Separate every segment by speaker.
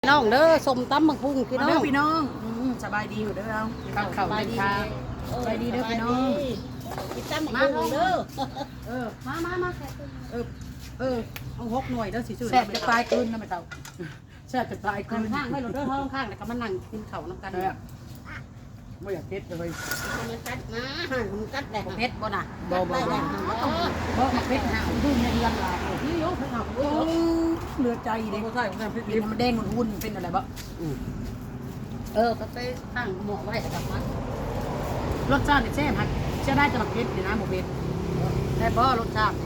Speaker 1: น้องเด้อสมตำบักหุ่งพี่น้อง
Speaker 2: พี่น้องสบายดีอยู่เด้อเรากับข้าวเป็นข้าวสบายดีเด้อพี่น้อง
Speaker 1: กินตำบักหุ่งเด้อ
Speaker 2: มาเอา6 หน่วยเด้อสิซื้อแซ่บจะตายคืนนะแม่เฒ่าแซ่บจะตายคืน
Speaker 1: ข้างไม่หลุดเด้อท้องข้างแล้วก็มานั่งกินข้าวน้ำกัน
Speaker 2: ไม่อยากเผ็ดเลย
Speaker 1: มันกัดนะมันกัดแหละ
Speaker 2: เผ็ดบ่น่ะ
Speaker 1: บ่บ่บ่
Speaker 2: บ่มาเผ็ดห่าวดูในเรือนลายนี่โยกเผ็ดห่าวเหลือใจเด้ใช่เผ็ดมันแดงหุ่นเป็นอะไรบ่
Speaker 1: ก็ไปตั้งหม้อไว้กับมัน
Speaker 2: รสชาติแซ่บฮักจะได้จะมาเผ็ดดีนะบ่เผ็ดแต่บ่รสชาติ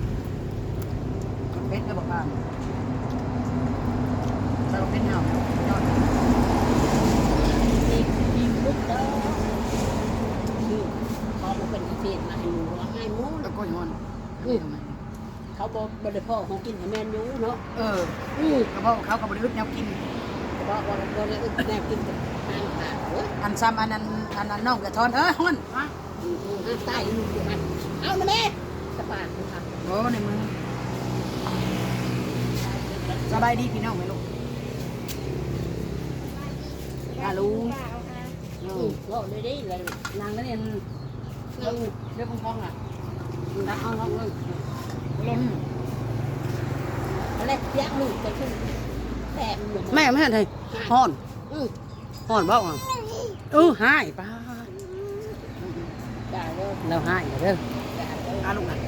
Speaker 2: เผ็ดก็บอกว่าเราเป็นห่าวยอด
Speaker 1: ยิงลุกเด้อพอมันเป็นเศษมาให้หนูให้หมู
Speaker 2: แล้วก็ย้อน
Speaker 1: เขาบอกบ่ได้พ่อของกินให้แม่นอยู่เนาะ
Speaker 2: กระเพาะเขากับบริอึดแนวกิน
Speaker 1: บอกว่าบ่ได้อึดแน่กินกับทางขาโอ้ย
Speaker 2: อันซ้ำอันนั้นน้องกระทอนฮ้อน
Speaker 1: ใต้ลูกอยู่มันเอามาแม่สปาดค่ะ
Speaker 2: โอ้ในมือสบายดีพี่น้องไหมลูกลุง
Speaker 1: ก็เลยได้เลยนางก็เนี่ยเรื่องพองอ่ะนักเอาห้องเลยเล่นอะไรเสียงลูกจะขึ้นแตกเหมือน
Speaker 2: แม่ไม่เห็นเลยฮ้อนบ้าอ่ะหายป้า
Speaker 1: ด่าเลย
Speaker 2: เราหายเด้อ
Speaker 1: ด่าเลย
Speaker 2: ลูกอ่ะ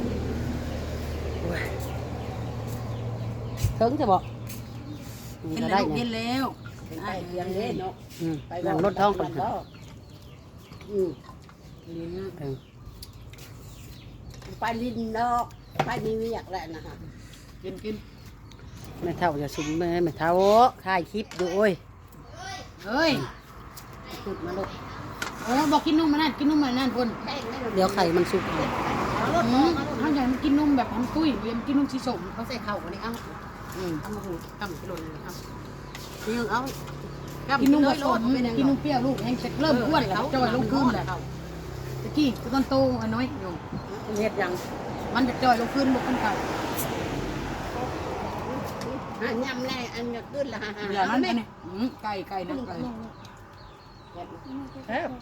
Speaker 1: ถึงจะบอก
Speaker 2: กินแล้วกินแล้ว
Speaker 1: เป็นไปเลี้ยงเล่นเนาะ
Speaker 2: หลังรถท้องก่อน
Speaker 1: ไปลินนอกไปมีเวียกแหละนะฮะ
Speaker 2: กิน
Speaker 3: แม่เท่าจะซุ่มแม่เท่าถ่ายคลิปอยู่โอ้ย
Speaker 2: เฮ้ย
Speaker 1: ขุดมาลูก
Speaker 2: บอกกินนุ่มมานั่นกินนุ่มมานั่นคน
Speaker 1: แป้งไม่
Speaker 3: เดี๋ยวไข่มันสุกเอา
Speaker 2: เขาอยากกินนุ่มแบบหอมตุ้ยเรียมกินนุ่มสีส้ม
Speaker 1: เขาใส่ข้าวกันนี่เอ้า
Speaker 2: ทำมาหูทำกิโลนึงครับ
Speaker 1: นี่เอา
Speaker 2: กินนุ่มผสมกินนุ่มเปรี้ยวลูกแห้งจะเริ่มอ้วนแล้วจอยลงขึ้นแหละตะกี้ต้นโตอันน้อยอยู่
Speaker 3: เฮ็ดยัง
Speaker 2: มันจะจอยลงขึ้นบกขึ้นเขา
Speaker 1: ยำแน่อันจะขึ้นละ
Speaker 2: อย่างนั้นเนี่ยไก่นะไก่
Speaker 3: แซ่บ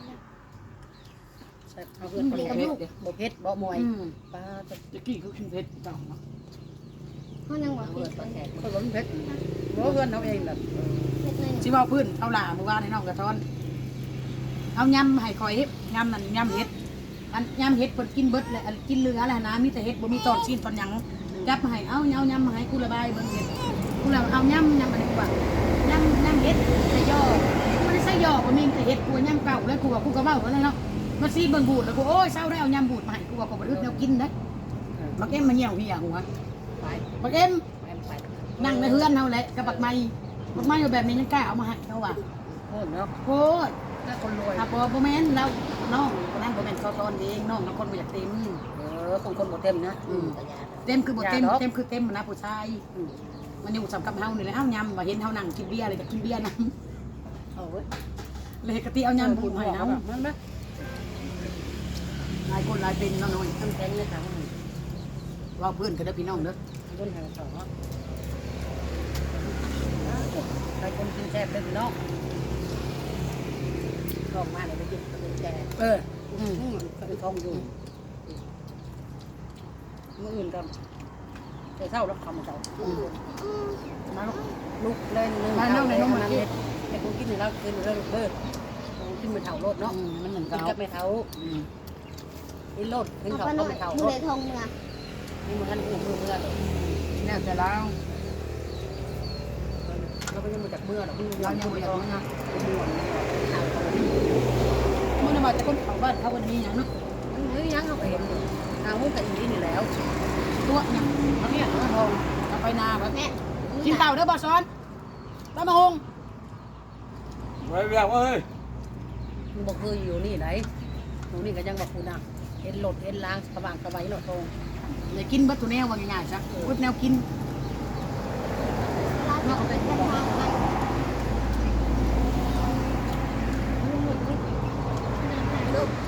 Speaker 3: เอาเพื่อนบ่เผ็ดบ่เผ็ดบ่มวยปลา
Speaker 2: ตะกี้เขากินเผ็ดจัง
Speaker 4: เขายังบอก
Speaker 1: เปิดประแขก
Speaker 3: เขาล้นเผ็ดบ่เพื่อนเอาเองแบบ
Speaker 4: เล็กน้อย
Speaker 2: ชิว่าพื้นเอาหล่าเมื่อวานในน้องกระท้อนเอายำให้คอยเฮ็ดยำนั่นยำเฮ็ดอันยำเฮ็ดเพิ่นกินเบิดเลยกินเรืออะไรนะมีแต่เฮ็ดบ่มีตอนชิ้นตอนหยังจับมาให้เอายำมาให้กูระบายเบิ่งเฮ็ดกูแล้วเอายำอะไรกว่ายำเฮ็ดใส่ย่อไม่ได้ใส่ย่อบ่มีแต่เฮ็ดกูยำเก่าแล้วกูว่ากูก็เว้าแล้วเนาะมาซีเบิ่งบูดแล้วกูโอ้ยเศร้าได้เอายำบูดมาให้กูว่าก็บ่อึดแนวกินนะบักเอ็มมาเหี่ยวเหี่ยหัว
Speaker 1: ไป
Speaker 2: บักเอ็ม
Speaker 1: ไป
Speaker 2: นั่งในเฮือนเฮาแหละกับบักไม้อยู่แบบนี้ยังกล้าเอามาให้เขาว่า
Speaker 3: โคตรเนาะ
Speaker 2: โคตร
Speaker 3: ถ้าคนรวย
Speaker 2: ถ้าบ่แม่นแล้วน้องคนนั้นบ่แม่นเขาตอนเองน้องน้องคนบ่อยากเต็ม
Speaker 3: คนบ่เต็มนะ
Speaker 2: เต็มคือบ่เต็มเต็มคือเต็มนะผู้ชายมันอยู่สำกับเฮานี่แหละเฮายำว่าเห็นเฮานั่งกินเบียร์เลยก็กินเบียร์นำ
Speaker 3: เอาเว้ย
Speaker 2: เลยกะติเอายำบูดให้นำ
Speaker 3: มันนะ
Speaker 2: หลายคนหลายเป็นน้อย
Speaker 3: ทำแข็งเลยค่ะ
Speaker 2: ว่าเพื่อนก็ได้พี่น้องเด้อ
Speaker 3: คนหาสองใครคนกินแซ่บเลยพี่น้อง
Speaker 1: ลงมาเลยไปกินเป็นแก
Speaker 3: เป็นทองอยู่มื้ออื่นก็แต่เช้ารับคำเช้า
Speaker 2: มาลูก
Speaker 3: ลูกเล่นเรื่องนั้นเฮ็ดแต่กูกินแล้วกินเรื่องเบิดกูกินเป็นเถาโลดเนาะ
Speaker 2: มันเหมือน
Speaker 3: กิน
Speaker 2: เก่า
Speaker 3: กับไม่เถากินโลดกิน
Speaker 4: เอา
Speaker 3: เขา
Speaker 4: ไปห
Speaker 3: ก็
Speaker 4: น่อย
Speaker 3: ไม่เถา
Speaker 4: มื
Speaker 3: โล
Speaker 4: อ
Speaker 3: ด
Speaker 4: เลยทงนะ
Speaker 3: นี่มันกันหูมือเมื่อ
Speaker 2: แน่แต่แล้ว
Speaker 3: เราไปยังมาจากเมื่อเราเพิ่ง
Speaker 2: เรายังบ่อยากรู้นะ
Speaker 3: ข่าวเขา
Speaker 2: มื้อนั้นว่าจะคนเข้าบ้านเขาวันนี้หยังเนาะ
Speaker 3: เฮ้ยยังเขาเห็นทางมุ้งกับอีนี่แล้ว
Speaker 2: ตัวหยังเอาเนี่ยเอาทองเอาไปนาครับ
Speaker 4: แม่
Speaker 2: กินเต่าเด้อบ่ซ้อนตามมาหง
Speaker 5: ไว้แบบว่าเฮ้ย
Speaker 3: มันบอกคืออยู่นี่ไหนหนูนี่ก็ยังบอกคุณอ่ะเห็นโหลดเห็นล้างสว่างสบายโหลดตรง
Speaker 2: เลยกินบัตรตัวแนวว่าง่ายๆซะบัตรแนวกิน
Speaker 4: ร้านเราเป็นทางไป
Speaker 1: ลูกไป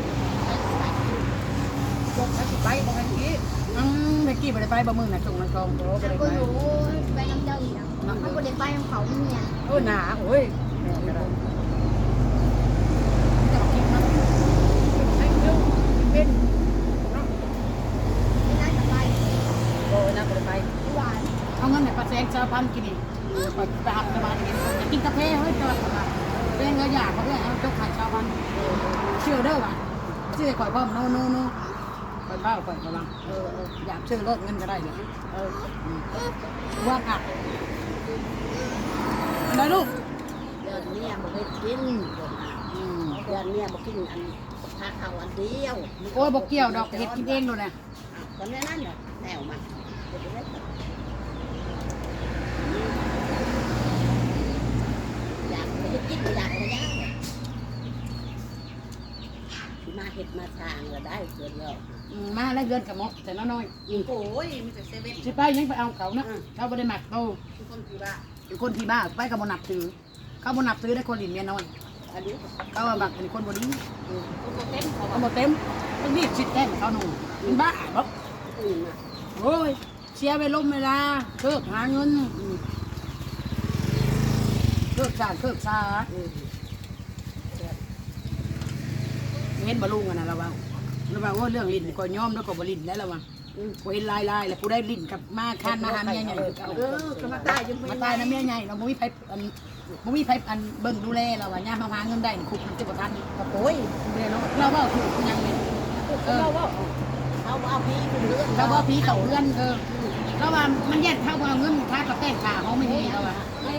Speaker 3: พวกนั้นไปบอกให้กี้
Speaker 2: เมื่อกี้ไปได้ไปบ่มึงน่ะส่งมันทองโอ้ไป
Speaker 4: แล้ว
Speaker 2: ได้
Speaker 4: ก็
Speaker 2: ไป
Speaker 4: หนูไปน้ำเจ้าอีกเขาก็เด็กไปของเขาเนี่ย
Speaker 3: โอ้หนาโอ้ยแม่ก็ได้
Speaker 2: จะกินมัน
Speaker 3: ให้เร็วเป็นเนาะ
Speaker 4: ไม่น่าจะไป
Speaker 3: โอ้ยน่าไป
Speaker 4: หวาน
Speaker 2: เอาเงินไหนปลาแซงชาวพันกินนี่ไปหักสบายกินกาแฟเฮ้ยเจอเรื่องเงินอยากเขาด้วยเอาเจ้าขายชาวพันเชื่อเด้อว่ะเชื่อข่อยพ่อมโน่ข่อยเบ้าข่อยกำลังอยากเชื่อรถเงินก็ได้เลยว่าอัดอะไรลูก
Speaker 1: เดือนนี้บ่ได้กินเดือนนี้บ่กินอันทาข้าวอันเดียว
Speaker 2: โอ้ยบอกเกี่ยวดอกเห็ดกินเองเลยนะ
Speaker 1: ตอนนี้นั่นน่ะแนวมาอยากไปกินอยากไปย่างมาเห็ดมาทางก็ได้เกินแล้ว
Speaker 2: มาแล้วเดือนกับมกแต่น้อย
Speaker 3: โอ้ยมีแต่เซเว่น
Speaker 2: ๆสิไปยังไปเอาเขานะเขาไม่ได้หมักเขา
Speaker 3: ทุกคนคือว่า
Speaker 2: เป็นคนที่บ้าไปกับบนับถือเขาบนับถือได้คนหลินเมียน้อย
Speaker 1: อันนี้
Speaker 2: เขาว่าบักเป็นคนบดี
Speaker 1: ก็เต็มเขา
Speaker 2: เขาบอกเต็มต้องรีบชิดแท้เขาหนุ่มเป็นบ้าบอก
Speaker 1: อื่นอ่ะ
Speaker 2: โอ้ยเสียไปล้มเวลาเคิกหาเงินเคิกชาเคิกชาเห็นบอลุงกันนะเราว่าว่าเรื่องลิ้นก็ย้อมแล้วก็บลิ้นแล้วเราว่ากูเห็นลายแล้วกูได้ลิ้นกับมาคานมาหาเมียใหญ่ก็มาตายยังมาตายนะเมียใหญ่เราไม่มีไผอันเบิ่งดูแลเราว่าย่ามาหาเงินได้คุกมันจะประกัน
Speaker 3: โอ้ย
Speaker 2: เราว่าถูกยังไง
Speaker 3: เราว่า
Speaker 1: เขาเอาพี่เป็นเรื่อง
Speaker 2: เราว่าผีเขาเพื่อนเราว่ามันแยกเข้ามาเงินค่ากับแป้งขาเขาไม่มีเราอ่ะ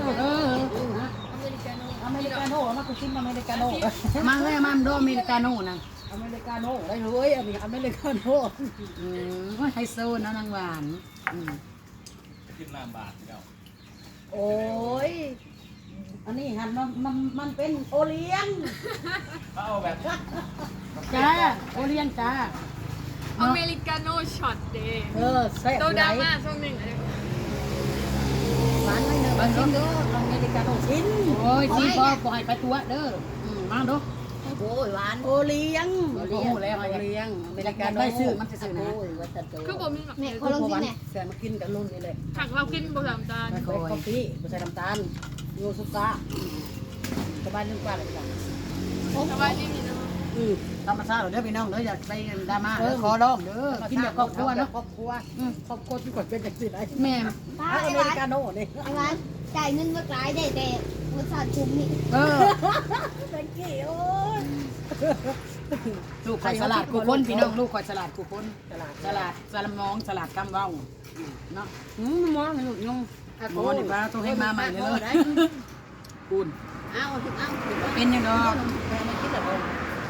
Speaker 2: อเมริกาโน่มาคุชิมอเมริกาโน่มาเลยมาดูอเมริกาโน่นะ
Speaker 3: อเมริกาโน่ได้เลยอันนี้อเมริกาโน่
Speaker 2: ไฮโซนะนางหวาน
Speaker 5: กินน้ำบาทเดียว
Speaker 3: โอ้ย
Speaker 2: อันนี้หันมันเป็นโอเลี้ยง
Speaker 5: เขาเอาแบบ
Speaker 2: จ้าโอเลี้ยงจ้า
Speaker 6: อเมริกาโน่ช็อตเดย์
Speaker 3: แซ่บ
Speaker 6: โต
Speaker 3: ไหน
Speaker 6: ดราม่าช่วงหนึ่งอะไร
Speaker 3: หวานไม่เนอะบางชิ้นเด้ออเมริกาโน่ชิ้น
Speaker 2: โอ้ยจีบอปล่อยไปตัวเด้อมาดู
Speaker 1: โอ้ยหวาน
Speaker 3: โอเลี้ยง
Speaker 2: โอ้โหแล้ว
Speaker 3: โอเลี้ยงอเมริกาโน่
Speaker 2: ได้ซื้อมันจะซื้อนะ
Speaker 1: โอ้ยว่าจะโต
Speaker 6: คือผมมีแบบ
Speaker 4: แม่เขาลงที่ไหน
Speaker 3: แซ่มากินกับรุ่นนี่เลย
Speaker 6: ถักเรากินบะหมี่จาน
Speaker 3: ใส่กาแฟไม่ใส่น้ำตาลโยสุก้าสบายนึงกว่าเลยจ้ะ
Speaker 6: สบายดีนะ
Speaker 2: ธรรมชาติเด้อพี่น้องเด้ออย่าไปดราม่าเด้อขอร้องเด้อกินแบบครอบครัวเนาะ
Speaker 3: ครอบครัวครอบครัวที่กดเป็นอย่างสิไร
Speaker 2: แม่
Speaker 4: ป้า
Speaker 3: อ
Speaker 4: ไอ้
Speaker 3: เม
Speaker 4: หวา
Speaker 3: ริ
Speaker 4: น
Speaker 3: กาโน่เนี่ย
Speaker 4: ไอ้หวานจ่ายเงินเมื่อไกลได้แต่บริษัทคุ้มนี่
Speaker 3: ตะกี้โอ้ย
Speaker 2: ลูกข่อยสลัดกูคนพี่น้องลูกข่อยสลัดกูคนสลัดมองสลัดกำเว้าเนาะ
Speaker 3: มองให้ลูกยง
Speaker 2: หมอนี่ป้าต้องให้มาใหม่เลยคุณ
Speaker 1: เอาถึงเอาถึง
Speaker 2: เป็นยังดอก
Speaker 3: แม่ไม่คิดแบบนั้น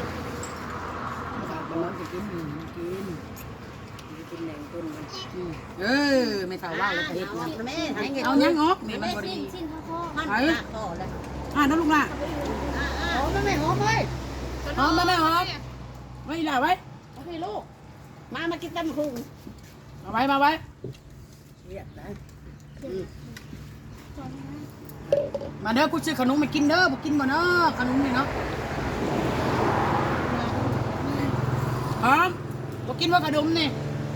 Speaker 2: มันจะกินกิน
Speaker 3: กินแหน่งต้นมัน
Speaker 2: ไม่เท่าว่าเลยเฮ็ดนะ
Speaker 1: แม่ให้เงิน
Speaker 2: เอายังออกนี่มัน
Speaker 4: แม่
Speaker 2: บ่
Speaker 4: สิ้
Speaker 2: ดี
Speaker 4: นสิ้นพ่อ
Speaker 1: มันต่อแล้ว
Speaker 2: น้องลูกล่ะ
Speaker 3: หอมไหมหอมไหม
Speaker 2: หอมมาแม่หอมไว้ล่ะไว้
Speaker 1: โอเคลูกมากินตั้มคุง
Speaker 2: มาไว้
Speaker 3: เรียกได้
Speaker 2: มาเด้อกูซื้อขนมมากินเด้อบ่กินบ่เนาะขนมนี่เนาะหอมบ่กินว่าขนมนี่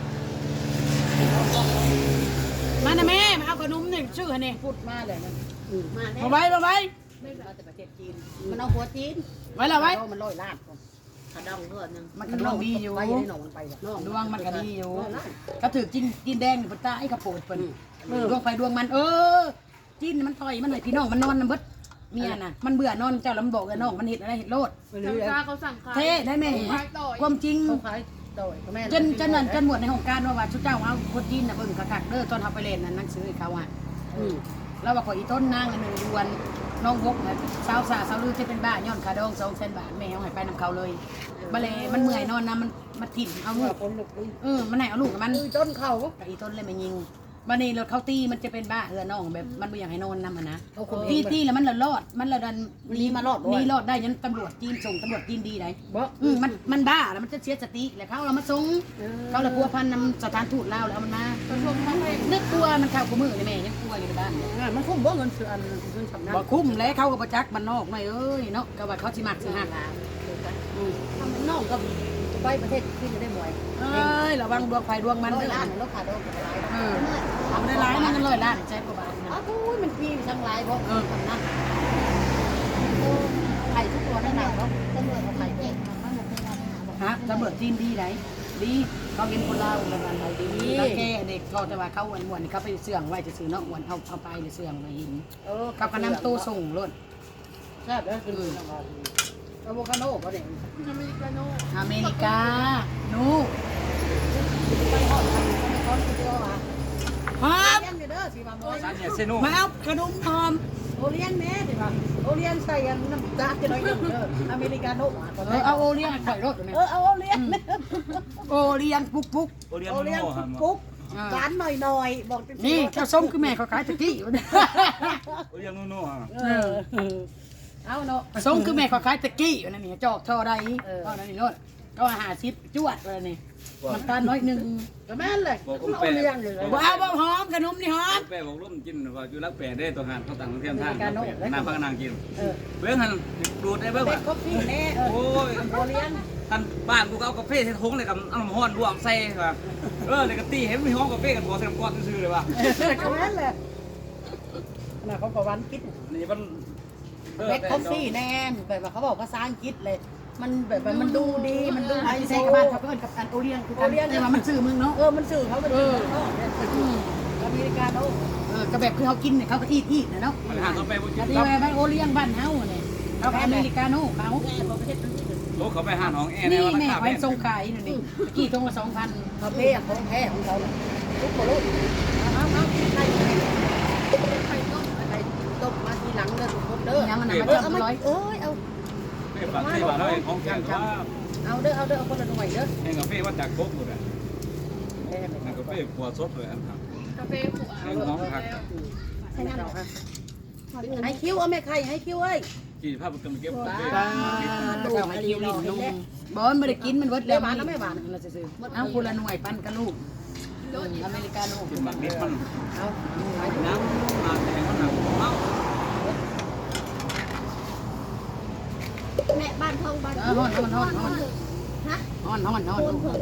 Speaker 2: มานะแม่มาเอาขนมนี่ชื่อให้นี่
Speaker 3: พูดมาเลยมัน
Speaker 1: มาแน่
Speaker 2: มาไว้
Speaker 3: มาแต่ประเทศจีน
Speaker 1: มันเอาหัวจีน
Speaker 2: ไว้ละไว้
Speaker 3: มันลอยลาด
Speaker 1: ขาดองเพื่อนนึง
Speaker 2: มันก็ดวงดีอยู่
Speaker 3: ไปให้หนองมันไป
Speaker 2: ดวงมันก็ดีอยู่ก็ถือกินแดงนี่บ่ตายก็โปรดเพิ่นดวงไฟดวงมันจิ้นมันต่อยมันหน่อยพี่น้องมันนอนนำเบิดเมียน่ะมันเบื่อนอนเจ้าลำบอกกับน้องมันเห็ดอะไรเห็ดโลด
Speaker 6: ทางการเขาสั่งขาย
Speaker 2: เท่ได้ไหมความจริง
Speaker 3: เขาขายโดยแม่
Speaker 2: จนหมดในห้องการว่าชุดเจ้าเอาคนจีนน่ะเบิ่งคักๆเด้อตอนเฮาไปเล่นนั่นหนังสือให้เขาอ่ะแล้วว่าขออีต้นนางอันนึงดวนน้องบกสาวสาวลือจะเป็นบ้าย้อนคาดอง200,000 บาทแม่เอาให้ไปนำเขาเลยบ่เลยมันเมื่อยนอนนะมันถิ่มเอาลูก
Speaker 3: คนลูก
Speaker 2: มันให้เอาลูกกับมัน
Speaker 3: ต้นเขา
Speaker 2: กับอีต้นเลยมายิงบันนี้รถเขาตีมันจะเป็นบ้าน้องแบบมันไม่อยากให้นอนนำนะ
Speaker 3: เขาคน
Speaker 2: ตีแล้วมันละรอดมันละดัน
Speaker 3: นี่มารอด
Speaker 2: นี่รอดได้ยันตำรวจจีนส่งตำรวจจีนดีไหน
Speaker 3: บ่
Speaker 2: มันบ้าแล้วมันจะเสียสติแล้วเขาเรามาส่งเขาเลยพัวพันนำสถานทูตลาวแล้วมันมานึกกลัวมันเข้ากมือเลยแม่ยังกลัวอยู่ในบ้าน
Speaker 3: มันคุ้มบ่เงินเสืออันเงินสำนัก
Speaker 2: บ่คุ้มแล้วเขาก็ประจักมันนอกไม่เอ้ยเนาะก็ว่าเขาสิมักสิหัก
Speaker 3: ทำมันนอกก็ไปประเทศที่จะได้บ่อย
Speaker 2: เอ้ยระวังดวงไฟดวงมัน
Speaker 3: ร้อย
Speaker 2: เด้อ
Speaker 3: ล้านแล้วขาดโดนกับหลาย
Speaker 2: เออ
Speaker 4: เมื่อ
Speaker 3: ข
Speaker 2: เอาได้ร้ายนั่นกันเลยล้านแจ็คกว่าบาทนะ
Speaker 3: อ้าวอุ้ยมันพี่ทั้งหลายเพราะทำนั่นไข่ทุกตัวนั่นแหละเนาะ
Speaker 4: ตำรวจเอาไข่เด็กมาหมดเป็นวันหาบอก
Speaker 2: ฮะตำรวจจีนดีไหนดีเขาเป็นคนลาวแล้วมันดีแล้วแกเด็กก็จะว่าเขาอ้วนๆเขาไปเสื่องไว้จะซื้อเนาะอ้วนเอาไปเลยเสื่องไปหินเขาก็นำตู้ส่งรถ
Speaker 3: แซ่บแล้วคืออะโวคาโดก็เด็ก
Speaker 6: อเมริกาโน่
Speaker 2: อเมริกาหนู
Speaker 3: ไปหอดกันไปก้อนเดียวอ่ะ
Speaker 2: หอม
Speaker 3: เลี้ยงเด้อสิมาบ่อย
Speaker 5: ร้านเนี่ยเซโน่
Speaker 2: มาเอาขนมหอม
Speaker 3: โอเลี้ยงแม่สิมาโอเลี้ยงใส่น้ำตาลจะน้อยเด้ออเมริกาโน่
Speaker 2: เอาโอเลี้ยงข่อยรถอยู่เนี่ย
Speaker 3: เอาโอเลี้ยง
Speaker 2: โอเลี้ยงปุ๊กปุ๊ก
Speaker 5: โอเลียน
Speaker 3: โอ
Speaker 5: โน
Speaker 3: เลี้ยง
Speaker 5: โน่ครับ
Speaker 3: ปุ๊กการหน่อยบอก
Speaker 2: นี่เจ้าส้มคือแม่เขาขายตะกี้อยู่เนี่ย
Speaker 5: โอเลียนโนโน่ครับ
Speaker 3: เอาเนาะ
Speaker 2: ส้มคือแม่เขาขายตะกี้อยู่นั่นนี่จอกเท่าใดก็นั่นนี่โน่นก็50จวดเลยนี่มันตาลน้อยนึง
Speaker 3: ก็แม่นเลยโอเลี้ยงเลย
Speaker 2: บ่เอาบ่หอมขนมนี่หอม
Speaker 5: แปะบอกร่มกินว่าอยู่รักแปะได้ตัวงานเขาต่างเทียมทางน้ำพักนางกินเบื้องหันดูดได้เบื้อง
Speaker 3: เป็
Speaker 5: ว่ะ
Speaker 3: นคอฟฟี่แน่
Speaker 5: โอ้ย
Speaker 3: โอเลี้ยง
Speaker 5: ท่านบ้านกูเอากาแฟใส่ถุงเลยกับน้ำห้อนรวมใส่ว่ะเลยก็ตีเห็นมีห้องกาแฟกันพอใส่น้ำก้อนซื่อเลยว่ะ
Speaker 3: ก็แม่นเลยน่ะเขาประวันคิด
Speaker 5: นี่มัน
Speaker 3: เบ็ดคอฟฟี่แน่แบบว่าเขาบอกภาษาอังกฤษเลย มันแบบมันดูดีมันดู
Speaker 2: ไอ้ใส่กับบ้านเขาเอิ้นกับอันโอเลี้ยงคือกันแต่ว่ามันซื้อมึงเนาะ
Speaker 3: มันสื่อเขาเป็นอเมริกาโน่
Speaker 2: ก็แบบคือเขากินเนี่ยเขาก็อีดนะเนาะ
Speaker 5: มันหากาแฟบุญ
Speaker 2: อัน
Speaker 5: กิ
Speaker 2: นี้
Speaker 5: น
Speaker 2: บ้านโอเลี้ยงบ้านเฮาเนี่ยเขาอเมริกาโน่เขา
Speaker 3: แม่บอกประเทศนั้น
Speaker 5: โต๊ะเขาไปหาห้องแอร์ใน
Speaker 2: นี่
Speaker 5: วัน
Speaker 2: แม่
Speaker 5: ข้าว
Speaker 2: ไว้
Speaker 5: แม่
Speaker 2: ทรงขายนี่นี่กี่ทงละ2,000
Speaker 3: เขาเพ่ของแท้ของเขาทุกคนรู้เอาใคร
Speaker 6: ไข่ต้ม
Speaker 3: ใครตบมาทีหลังเลยทุกคนเด้อ
Speaker 2: ยังมันน่ะมัน
Speaker 3: เอา
Speaker 2: จำ
Speaker 3: มา
Speaker 2: ร้อย
Speaker 3: เอ้ยเอา
Speaker 5: ไม่ฝากที่ว่าเราเองของแข็งว่า
Speaker 3: เอาเด้อเอาคนละหน่วยเด้อ
Speaker 5: เองกาแฟว่าจากโก๊กหมดเลยนั่นกาแฟขวดสดเลยอันครับ
Speaker 6: กาแฟขวด
Speaker 5: เองน้องพัก
Speaker 4: ใช่น้ำหอม
Speaker 3: ให้คิ้วเอาแม่ไข่ให้คิ้วเอ้ย
Speaker 5: กี่ภาพมันกำลังเก็บกาแฟ
Speaker 2: ดูให้กินลิ้นนุ่มบ่มันบ่ได้กินมันเบิดแล้วเราซื่อเอาคนละหน่วยปั้นกับลูกอเมริกาโน่
Speaker 5: กินแบบนี้มัน
Speaker 3: เอา
Speaker 5: น้ำมาแต่มันหนักเมา
Speaker 4: แม่บ้านทองบ้าน
Speaker 2: ฮ้อน
Speaker 4: ฮะ
Speaker 2: ฮ้อน
Speaker 4: โคนเผือก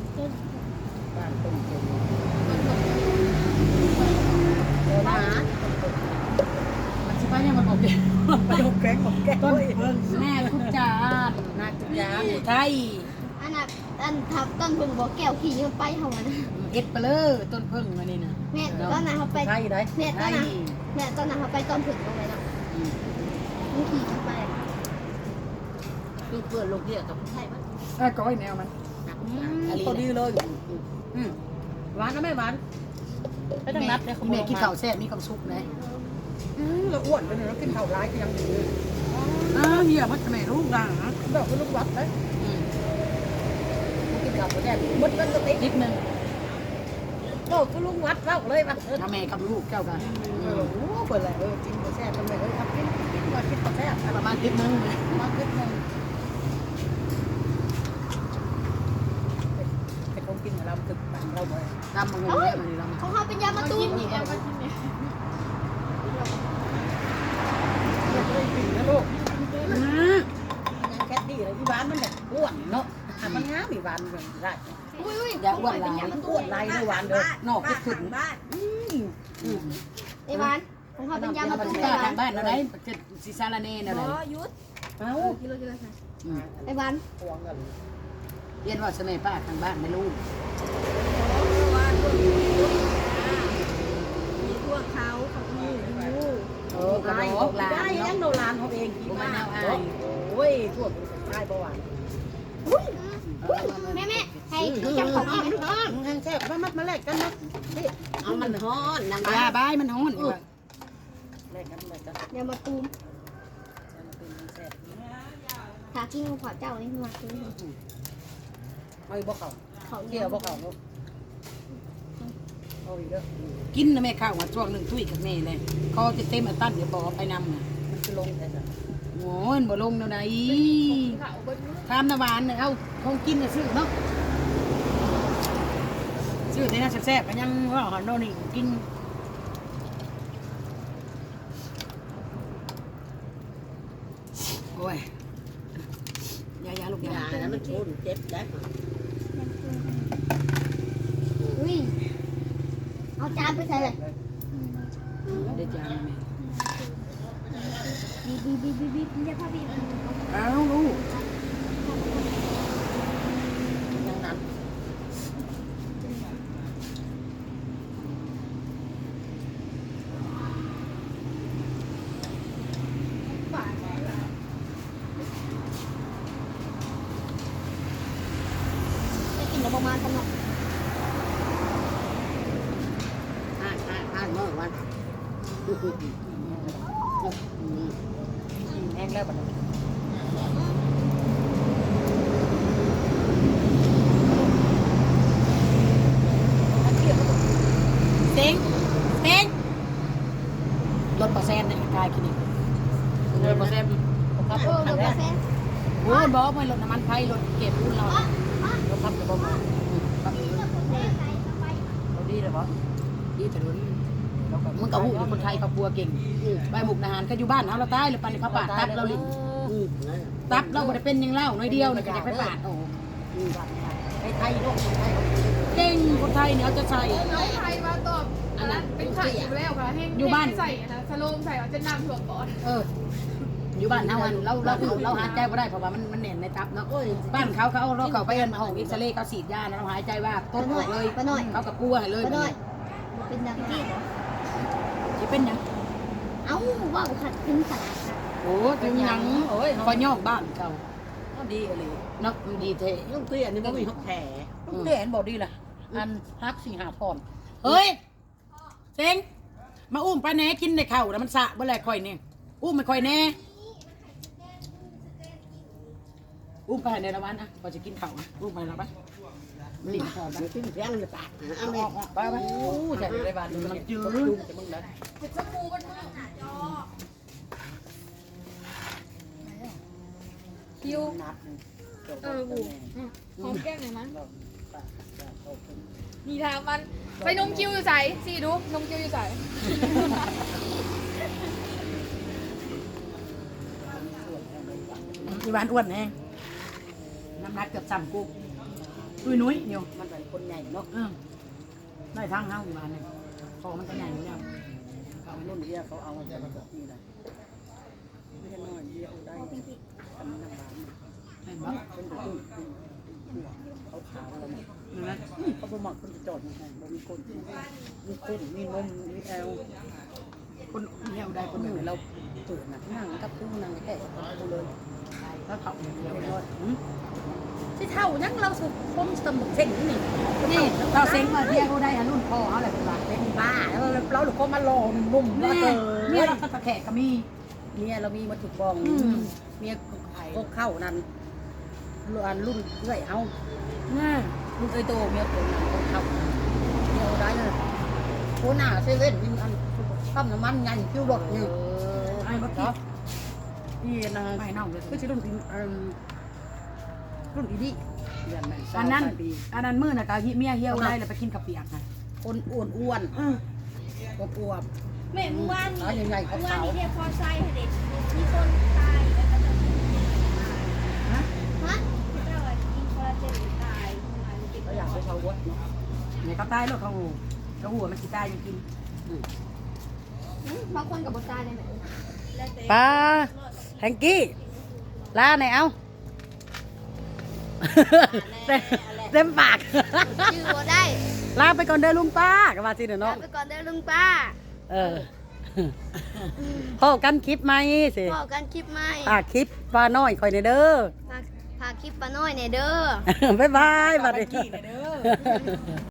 Speaker 3: เดี๋ยวนะ
Speaker 2: มันสิไปเนี่ยมันบอกเด้
Speaker 3: ไปดูแกงของแกง
Speaker 2: ต้นเพิ่งแม่ทุกจาน
Speaker 3: นาจุยา
Speaker 2: ไทย
Speaker 4: อันน่ะอันทับต้นเพิ่งบอกแก้วขี่มันไปเฮานะ
Speaker 2: เฮ็ดไปเลยต้นเพิ่งมานี่น่ะ
Speaker 4: แม่ตอนนั้นเขาไป
Speaker 3: ไข่ได้
Speaker 4: แม่ต
Speaker 2: ไท
Speaker 4: อน
Speaker 2: ย
Speaker 4: นั้นแม่ตอนนั้นเขาไปต้นผึ่งตรงไหนเนาะมันขี่มันไป
Speaker 3: คือเพื่อนลูกเดียวกับไข่มัน
Speaker 2: ก้อยแนวมัน
Speaker 3: พอดีเลยหวานนะแม่หวานไม่ต้องนับเลย
Speaker 2: แม่กินข้าวแซ่บมีความสุขนะ
Speaker 3: เราอ้วนไปเลยเรากินข้าวร้ายก็ยังดี
Speaker 2: เฮียมันแม่ลูกด่างนะ
Speaker 3: แบบคือลูกวัดเลยกินข้าวแซ่บมดกันก็ติด
Speaker 2: นิดนึง
Speaker 3: ก็คือลูกวัดเล่าเลยป่ะ
Speaker 2: ถ้าแม่กับลูกเจ้ากัน
Speaker 3: โอ้โหเปิดเลยกินข้าวแซ่บทำไมครับกินว่ากินข้าวแซ่บ
Speaker 2: ประมาณนิดนึง
Speaker 3: มาขึ้นนึงแต่คงกินเราตึกปั่นเราบ่อย
Speaker 2: ตามมึงเนี่ยมันนี่เรา
Speaker 4: ของเขาเป็นยามาตุ้ม
Speaker 6: นี่เอามาที่นี่
Speaker 3: นะลูกยังแค่ดีเลยอีหวานมันแบบอ้วนเนาะมันงามอีหวานมันได้
Speaker 4: อุ้ย
Speaker 2: อย่าอ้วนหลาย
Speaker 3: มันอ้วนลายด้วยหวานเด้อน
Speaker 2: อกคิดถึง
Speaker 4: ไอ้บ้านของเขาเป็นยามา
Speaker 2: มัน
Speaker 4: ตุ้ม
Speaker 2: จะ
Speaker 4: ไอ้บ้า
Speaker 2: ทาน งบ้านอะไรจะซิซาลาเน่อะไร
Speaker 4: ยุด
Speaker 3: เอ้า
Speaker 4: ไอ้บ้าน
Speaker 3: พวงกัน
Speaker 2: เรียนว่าเสน่ห์ป้าทางบ้านไม่รู้
Speaker 4: มีพวกเขาของหมู
Speaker 2: กระ
Speaker 3: ลาย
Speaker 2: บอกลา
Speaker 3: ได้
Speaker 2: เนาะ
Speaker 3: ยังโนรานเขาเองกินมากโอ้ยทั่วไปประวัติ
Speaker 4: แม่ให้จับของกิน
Speaker 3: แห้งแซ่บมาแลกกันนะเอามันฮ้อนนาง
Speaker 2: ยาบ้ายมันฮ้อนอยู่
Speaker 3: แลกกัน
Speaker 4: ยามาตุ้มถ้ากินของขอเจ้านี่มากิน
Speaker 3: ไม่บอกเขา
Speaker 4: เขา
Speaker 3: เกี่ยวบอกเขาเอาอีกเด้อ
Speaker 2: กินนะแม่ข้าวว่าช่วงหนึ่งตุ้ยกับแม่เลยคอจะเต็มอัตั้นเดี๋ยวบอกไปนำ
Speaker 3: มันคือลงแต่
Speaker 2: โอ้ยบ่ลงเนาะไหน
Speaker 6: ขาวเบิ้ล
Speaker 2: ทามน้ำหวานเอาคงกินน่ะซื้อเนาะซื้อในนั้นแซ่บๆก็ยังว่าหอนโน่นนี่กินโอ้ยยาลูกยา
Speaker 3: แล้วมันชุนเจ็บได้
Speaker 4: อุ้ยเอาจานไปใส่เลย
Speaker 2: ได้จานไหม
Speaker 4: บีเรียกพ่อบี
Speaker 2: อ้าวลูก
Speaker 3: ยังนั้น
Speaker 4: จะกินประมาณกันเนาะ
Speaker 1: อ่านเมื่อวัน
Speaker 3: แห้งแล้วบัดนี้
Speaker 2: เซ็งรถปอแซนเนี่ยกายกินอีก
Speaker 3: เลยบ่แซ่บครับ
Speaker 4: เออเดี๋ยวกาแฟ
Speaker 2: โอ้ยบอกไม่รถน้ำมันไฟรถเก็บรุ่นเรา
Speaker 3: เราพับจะบ่มาเราดีเลยบ่
Speaker 2: ดีแต่รุ่นมึงกับหูอยู่คนไทยเขากลัวเก่งใบมุกนาหารก็อยู่บ้านเขาเราตายเลยปันเขาปาดตับเราลิตับเราบ่ได้เป็นยังเล่าน้อยเดียวเนี่ยก็จะไปปาดโอ้
Speaker 3: ไทยลูกไทย
Speaker 2: เก่งคนไทยเนี่ยเขาจะใส่
Speaker 6: น้องไทยมาตอบอันนั้นเป็นไข่อยู่แล้วค่ะแห้ง
Speaker 2: อยู่บ้าน
Speaker 6: ใส่นะสโลมใส่เอาจะน้ำถั่วก่อน
Speaker 2: อยู่บ้านเขาเราหายใจไม่ได้เพราะว่ามันแน่นในตับเนาะบ้านเขาเราเข้าไปห้องเอ็กซเรย์เขาฉีดยาเราหายใจว่าต้นออกเลยเขากับกลัวให้เลย
Speaker 4: ไปหน่อยเป็นนักกีฬา
Speaker 2: จะเป็นยัง
Speaker 4: เอ้าว่าขัดขึ้นขัด
Speaker 2: โอ้ถึงยังโอ้ยคอยย่องบ้านเขา
Speaker 3: ก็ดีเลย
Speaker 2: เนาะดีเท่
Speaker 3: ลูกเตี้ยนี่บ่มีแผลลูกเตี้ยเห็นบ่ดีล่ะอันฮักสิหาพร
Speaker 2: เฮ้ยเซ็งมาอุ้มไปแหน่กินในเข่าแล้วมันสะเมื่อไรคอยเนี่ยอุ้มไม่คอยแน่อุ้มไปในละวันอ่ะพอจะกินเข่าอุ้มไปแล้วปะนี่หอม
Speaker 1: ขึ้นเสียงเลยปากเอา
Speaker 2: อ
Speaker 1: เลย
Speaker 2: อกไปไป
Speaker 3: โอ้ใช่ในบ้านมันจืดจะมึงได้
Speaker 6: เห็ดชมพูมันมากคิว
Speaker 3: นัด
Speaker 6: บูหอมแก้มหน่อยมั้ยมีทางมันไปนมคิวอยู่ใส่สิดูนมคิวอยู่ใส่
Speaker 2: อีวานอ้วนแน่น้ำหนักเกือบ3กุ๊กนุ้ยอยู่
Speaker 3: มันเป็นคนใหญ่เนาะ
Speaker 2: ได้ทั้งห้าอีวานเนี่ยคอมันก็ใหญ่อยู่แล้ว
Speaker 3: เขารุ่นเดียเขาเอามาจากนี่แหละไม่ใช่น้อยเดียวได้ทำน้ำบาน
Speaker 2: เห็นปะ
Speaker 3: เป็นตัวเขาขาวแล้วเนี่ย
Speaker 2: นั่น
Speaker 3: เขาบ่มักคนจะจอดมันมีคนมีคนมีนมมีแอล
Speaker 2: คนเหี่ยวได้ค
Speaker 3: คน น
Speaker 2: ห
Speaker 3: ห
Speaker 2: นึ่
Speaker 3: นึ่
Speaker 2: ง
Speaker 3: งเราตื่นนะนั่งกับผู้นั่งแก่กูเลย
Speaker 2: แล้วเขาเหี่ยว
Speaker 3: เรียบ
Speaker 2: ได้
Speaker 3: ร้อยที่เท่ายังเราสุดคมสมบุกเส้นนี่
Speaker 2: นี่เราเซ็งมาเที่ยวได้รุ่นพ่อเขาแหละเป็นหลักเป็น
Speaker 3: บ้าเราหรือก็มาลองนุ่ม
Speaker 2: นี่เนี่ยเราตะแขกก็มี
Speaker 3: เนี่ยเรามีมาถูกบองเมียก็เข้านั่นรุ่นเอื้อยเอา
Speaker 2: นี่
Speaker 3: รุ่นเอ้ยโตเมียตัวนั้นก็เข้าเดียวได้เลยโคหน้าเซเว่นมีอันปั๊มน้ำมันใหญ่คิวรถนี่
Speaker 2: ไอ้บักกี้
Speaker 3: นี่นะ
Speaker 2: ไม่น่าเลย
Speaker 3: ก็จะรุ่นรุ่นอีนี่เดือนไหน
Speaker 2: อันนั้นมื้อน่ะก็เมียเหี่ยวได้แล้วไปกินกับเปียกค่ะ
Speaker 3: คนอ้วนอวบ
Speaker 4: แม่เมื่อวาน
Speaker 3: ขาใหญ่ๆ
Speaker 4: เมื่อวาน
Speaker 3: ขาว
Speaker 4: นี้เรียกพอไซเด็กมีคนตายแล้วก็จะฮะเจ้ากินคอลลาเจนตาย
Speaker 3: ๆเขาอยากไปชาววัดเนาะ
Speaker 2: เนี่ยเขาตายแล้วเขาหูเขาหัวมันสิตายยังกิน
Speaker 4: บางคนกับบตายเลยไหม
Speaker 3: ปลาแฮงกี้ลาไหนเอาเต็มปาก
Speaker 4: ชื่อบ่ได้
Speaker 3: ลาไปก่อนเด้อลุงป้าก็ว่าสิเด้อ
Speaker 4: ลา
Speaker 3: เนาะ
Speaker 4: ไปก่อนเด้อลุงป้า
Speaker 3: พอกันคลิปไหมสิ
Speaker 4: พอกันคลิปใหม่
Speaker 3: คลิปปลาน้อยคอยในเด้อ
Speaker 4: พาคลิปป้าน้อยเนี่ยเด้อ
Speaker 3: บ๊ายบายบัดนี้
Speaker 2: กี้เด้อ